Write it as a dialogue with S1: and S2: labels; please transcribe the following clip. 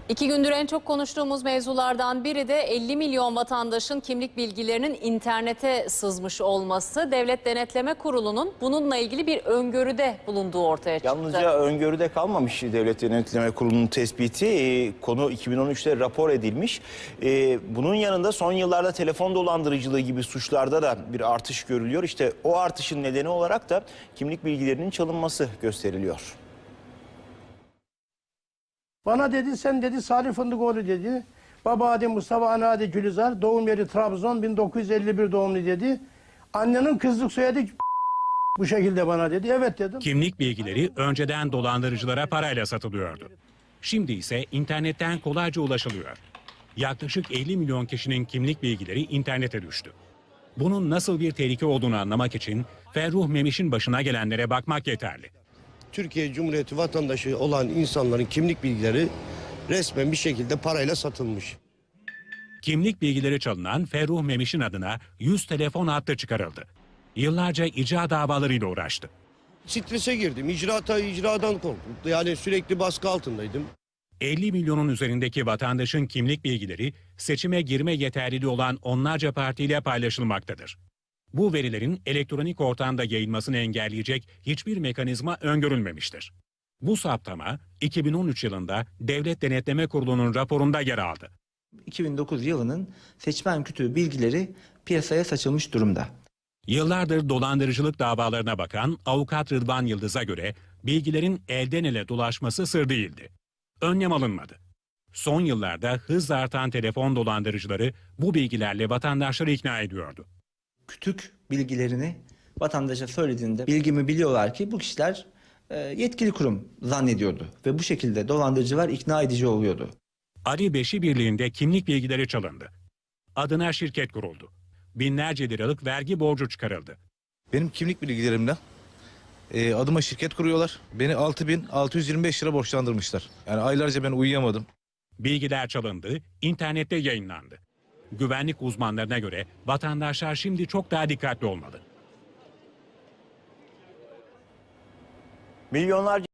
S1: İki gündür en çok konuştuğumuz mevzulardan biri de 50 milyon vatandaşın kimlik bilgilerinin internete sızmış olması. Devlet Denetleme Kurulu'nun bununla ilgili bir öngörüde bulunduğu ortaya çıktı.
S2: Yalnızca öngörüde kalmamış Devlet Denetleme Kurulu'nun tespiti. Konu 2013'te rapor edilmiş. Bunun yanında son yıllarda telefon dolandırıcılığı gibi suçlarda da bir artış görülüyor. İşte o artışın nedeni olarak da kimlik bilgilerinin çalınması gösteriliyor.
S3: Bana dedi, sen dedi Salih Fındıkoğlu dedi. Baba adı Mustafa, ana adı Gülizar. Doğum yeri Trabzon, 1951 doğumlu dedi. Annenin kızlık soyadı bu şekilde bana dedi. Evet dedim.
S4: Kimlik bilgileri önceden dolandırıcılara parayla satılıyordu. Şimdi ise internetten kolayca ulaşılıyor. Yaklaşık 50 milyon kişinin kimlik bilgileri internete düştü. Bunun nasıl bir tehlike olduğunu anlamak için Ferruh Memiş'in başına gelenlere bakmak yeterli.
S5: Türkiye Cumhuriyeti vatandaşı olan insanların kimlik bilgileri resmen bir şekilde parayla satılmış.
S4: Kimlik bilgileri çalınan Ferruh Memiş'in adına 100 telefon hattı çıkarıldı. Yıllarca icra davalarıyla uğraştı.
S5: Strese girdim, icradan korktum. Yani sürekli baskı altındaydım.
S4: 50 milyonun üzerindeki vatandaşın kimlik bilgileri seçime girme yeterliliği olan onlarca partiyle paylaşılmaktadır. Bu verilerin elektronik ortamda yayılmasını engelleyecek hiçbir mekanizma öngörülmemiştir. Bu saptama 2013 yılında Devlet Denetleme Kurulu'nun raporunda yer aldı.
S6: 2009 yılının seçmen kütüğü bilgileri piyasaya saçılmış durumda.
S4: Yıllardır dolandırıcılık davalarına bakan avukat Rıdvan Yıldız'a göre bilgilerin elden ele dolaşması sır değildi. Önlem alınmadı. Son yıllarda hızla artan telefon dolandırıcıları bu bilgilerle vatandaşları ikna ediyordu.
S6: Kütük bilgilerini vatandaşa söylediğinde bilgimi biliyorlar ki bu kişiler yetkili kurum zannediyordu. Ve bu şekilde dolandırıcılar ikna edici oluyordu.
S4: Ali Beşi Birliği'nde kimlik bilgileri çalındı. Adına şirket kuruldu. Binlerce liralık vergi borcu çıkarıldı.
S7: Benim kimlik bilgilerimle adıma şirket kuruyorlar. Beni 6.625 lira borçlandırmışlar. Yani aylarca ben uyuyamadım.
S4: Bilgiler çalındı, internette yayınlandı. Güvenlik uzmanlarına göre vatandaşlar şimdi çok daha dikkatli olmalı.
S2: Milyonlarca